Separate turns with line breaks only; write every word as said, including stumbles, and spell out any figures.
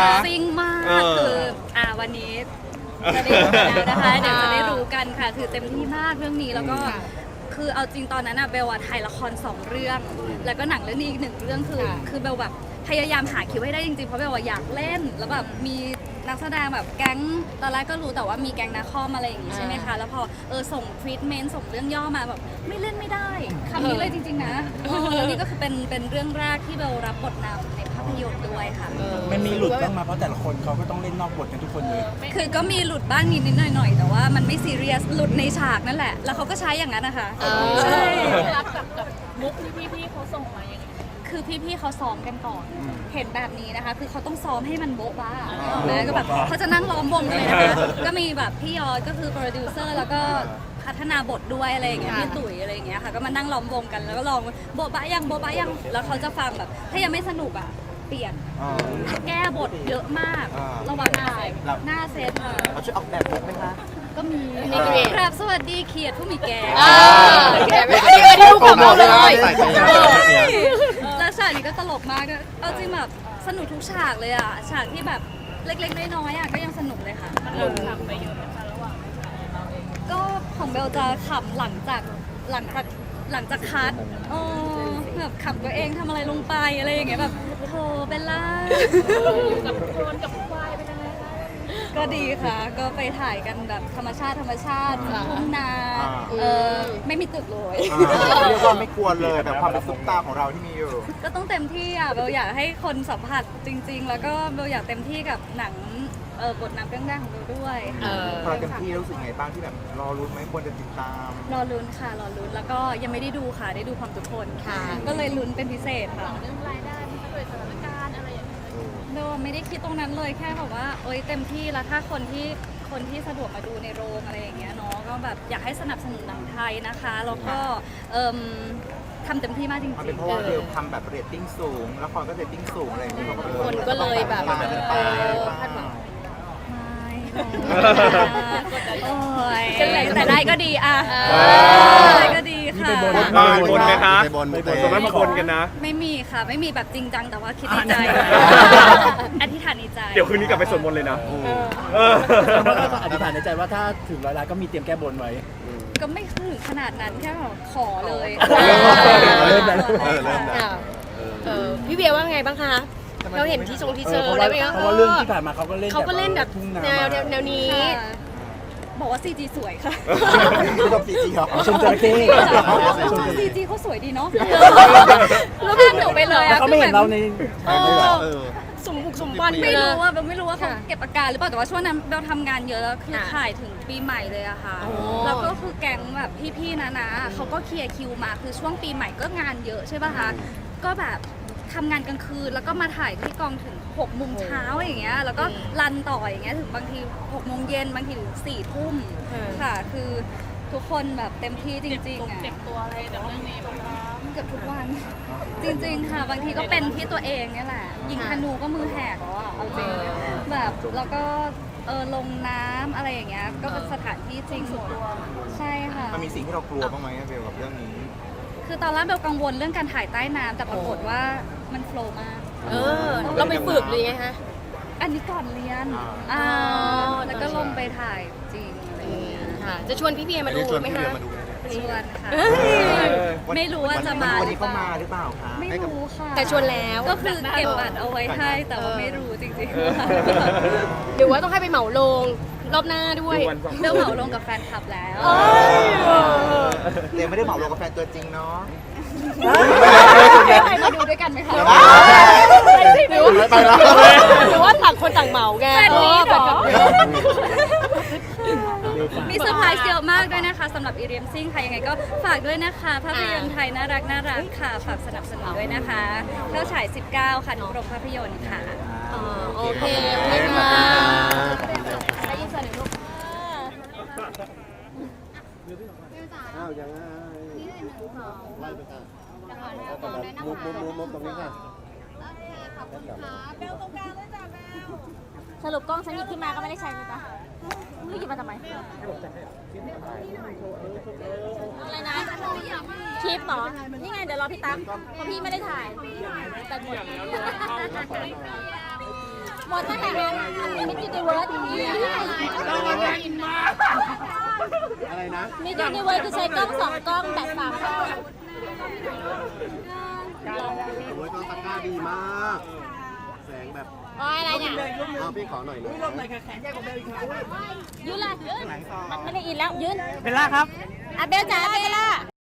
ซิงมากคืออ่าวันนี้จะได้ดูแล้วนะคะเดี๋ยวจะได้รู้กันค่ะคือเต็มที่มากเรื่องนี้แล้วก็คือเอาจริงตอนนั้นอะเบลอะถ่ายละครสองเรื่องแล้วก็หนังเรื่องนี้อีกหนึ่งเรื่องคือคือเบลแบบพยายามหาคิวให้ได้จริงๆเพราะเบลอยากเล่นแล้วแบบมีนักแสดงแบบแก๊งตอนแรกก็รู้แต่ว่ามีแก๊งนาคอมอะไรอย่างงี้ใช่ไหมคะแล้วพอเออส่งทรีทเมนต์ส่งเรื่องย่อมาแบบไม่เล่นไม่ได้คำนี้เลยจริงๆนะแล้วนี่ก็คือเป็นเป็นเรื่องแรกที่เบลรับบทนำในภาพยนตร์ด้วยค่ะ
มันมีหลุดบ้างมาเพราะแต่ละคนเขาก็ต้องเล่นนอกบทกันทุกคนเลย
คือก็มีหลุดบ้างนิดนิดหน่อยหน่อยแต่ว่ามันไม่ซีเรียสหลุดในฉากนั่นแหละแล้วเขาก็ใช้อย่างนั้นนะคะใช่
รับกับกับมุกที่พี่ๆเขาส่งมาอย่างนี้
คือพี่ๆเขาซ้อมกันก่อนเห็นแบบนี้นะคะคือเขาต้องซ้อมให้มันโบ๊ะบ้าแล้วก็แบบเขาจะนั่งล้อมวงเลยนะคะก็มีแบบพี่ยอดก็คือโปรดิวเซอร์แล้วก็พัฒนาบทด้วยอะไรอย่างเงี้ยพี่ตุ๋ยอะไรอย่างเงี้ยค่ะก็มานั่งล้อมวงกันแล้วก็ลองโบ๊ะบ้ายังโบ๊ะบ้ายังแล้วเขาจะฟังแบบถ้ายังไม่สนุกอ่ะเปลี่ยนแก้บทเยอะมากระหว่างถ่ายหน้าเซตค่ะ
เราช่วยออกแบบบทไหมคะ
ก็มีครับสวัสดีเขียดผู้มีแก่
อันนี้อันนี้ดูของเราเลย
แล้วฉากนี้ก็ตลกมากเอาจริงแบบสนุกทุกฉากเลยอ่ะฉากที่แบบเล็กๆน้อยๆอ่ะก็ยังสนุกเลยค่ะ
มันหลุดขำไปเยอะนะคะระหว่าง
ก็ของเบลจะขำหลังจากหลังจากหลังจากคัดเออแบบขำตัวเองทำอะไรลงไปอะไรอย่างเงี้ยแบบโธ่เบลล่า
อยู่กับโคลนกับควายเป็นยังไงคะ
ก็ดีค่ะก็ไปถ่ายกันแบบธรรมชาติธรรมชาติทุ่งนาเออไม่มีตึกเลย
เรียกว่าไม่กลัวเลยแบบความเป็นซุปตาของเราที่มีอยู่
ก็ต้องเต็มที่อ่ะเบลอยากให้คนสัมผัสจริงๆแล้วก็เบลอยากเต็มที่กับหนังเออบทนำเรื่องแรกของเบลด้วย
พอเต็มที่รู้สึกไงบ้างที่แบบรอรุ้นไหมควรจะติดตาม
รอลุ้นค่ะรอลุ้นแล้วก็ยังไม่ได้ดูค่ะได้ดูความทุกคนค่ะก็เลยลุ้นเป็นพิเศษค่ะ
เรื่องรายได้ด้วยสถานการณ์อะไรอย่างเงี้ย
เบลไม่ได้คิดตรงนั้นเลยแค่แบบว่าโอ๊ยเต็มที่แล้วถ้าคนที่คนที่สะดวกมาดูในโรงอะไรอย่างเงี้ยเนาะก็แบบอยากให้สนับสนุนหนังไทยนะคะแล้วก็เอ่อทำเต็มที่มากจริงๆ
เป็นเพราะว่าเบลทำแบบเรตติ้งสูงละครก็เรตติ้งสูงอะไรอย่างเงี้ย
คนก็เลยแบบคาดหวัง
โอ้ยแต่ได้ก็ดีอ่ะได้ก็ดีค่ะ
ไปบน
ไหมคะ
ไปบนไปบน
ตรงนั้นมาบนกันนะ
ไม่มีค่ะไม่มีแบบจริงจังแต่ว่าคิดในใจอธิษฐานในใจ
เดี๋ยวคืนนี้กลับไปสวดมนต์เลยนะ
อธิษฐานในใจว่าถ้าถึงร้อยล้านก็มีเตรียมแก้บนไว้
ก็ไม่ถึงขนาดนั้นแค่ขอเลย
พี่เบียร์ว่าไงบ้างคะเราเห็นที่ทรงที่เจอได้ไหม
เพราะว่าเรื่องที่ผ่านมาเขาก็เล่น
เขาก็เล่นแบบแนวแนวนี้
บอกว่า ซี จี สวยค่ะ
ชอบซีจีเหรอ
ชมจระเข้
ซี จี เขาสวยดีเนาะแล้วพาหนูไปเลยอะ
เขาไม่เห็นเราใน
สมบุกสมบัน
ไม่รู้ว่าเบลไม่รู้ว่าเขาเก็บอาการหรือเปล่าแต่ว่าช่วงนั้นเบลทำงานเยอะแล้วคือถ่ายถึงปีใหม่เลยอะค่ะแล้วก็คือแก๊งแบบพี่ๆนะนะเขาก็เคลียร์คิวมาคือช่วงปีใหม่ก็งานเยอะใช่ป่ะคะก็แบบทำงานกลางคืนแล้วก็มาถ่ายที่กองถึงหกโมงเช้าอย่างเงี้ยแล้วก็รันต่ออย่างเงี้ยถึงบางทีหกโมงเย็นบางทีถึงสี่ทุ่มค่ะคือทุกคนแบบเต็มที่จริงๆอ่ะ
เจ็บตัวอะไรแต่เรื่องนี้บ้างคะ
เกือบทุกวันจริงๆค่ะบางทีก็เป็นที่ตัวเองเนี่ยแหละยิงธนูก็มือแหกแล้วอ่ะเอาจริงแบบแล้วก็เออลงน้ำอะไรอย่างเงี้ยก็เป็นสถานที่จริงใช่ค่ะ
มันมีสิ่งที่เรากลัวบ้างไหมเบลกับเรื่องนี้
คือตอนแรกเบลกังวลเรื่องการถ่ายใต้น้ำแต่ปรากฏว่ามันโฟล์มาก
เออเราไปฝึกเลยไงฮะ
อันนี้ก่อนเรียนอ่าแล้วก็ลงไปถ่ายจริงอะไรอย่างเงี้ย
ค่ะจะชวนพี่เบียร์มาดูไหมคะ
ชวนค่ะไม่รู้ว่าจะมา
วันนี้เขามาหรือเปล่าคะ
ไม่รู้ค่ะ
แต่ชวนแล้ว
ก็คือเก็บบัตรเอาไว้ให้แต่ว่าไม่รู้จริง
ๆหรือว่าต้องให้ไปเหมาโรงรอบหน้าด้วย
เบลเหมาลงกับแฟนคลับแล้ว
เดี๋ยวไม่ได้เหมาลงกับแฟนตัวจริงเนาะ
ใครมาดูด้วยกันไหมคะ
หรือว่าหรือว่าต่างคนต่างเหมาไง
มีเซอร์ไพรส์เยอะมากด้วยนะคะสำหรับอีเรียมซิ่งค่ะยังไงก็ฝากด้วยนะคะภาพยนตร์ไทยน่ารักน่ารักค่ะฝากสนับสนุนด้วยนะคะเข้าฉายสิบเก้าค่ะทุกโรงภาพยนตร์ค่ะ
โอเคค่ะ
ได้ยินเสียงลูก
อ้าวยังไงนี่เลยหนึ่งสองไล่ไปค่ะมุกมุกมุกมุกตรงนี้ค่ะโอเคขอบคุณค่ะเบลตรงกลางเลยจ้ะเบล
สรุปกล้องฉันหยิบขึ้นมาก็ไม่ได้ใช้เลยจ้ะไม่หยิบมาทำไมอะไรนะคลิปเหรอนี่ไงเดี๋ยวรอพี่ตั๊กเพราะพี่ไม่ได้ถ่ายแต่หมด
หมดตั้งแต่นั้นมิสยูนิเวิร์ส
อะไรนะ
มิสยูนิเวิร์สคือใช้กล้องสองกล้องแบบสามกล้อง
โอ้ยกล้องตะกร้าดีมาก แสงแบบ
อ๋ออะไรเนี่ย
เอาพี่ขอหน่อยนะ
ลมหน่อยค่ะแขนใหญ่กว่าเบลอีกค่ะ
ยืนเลยยืนมันไม่ได้อินแล้วยืน
เบลล่าครับ
อ่ะเบลจ๋าเบลล่า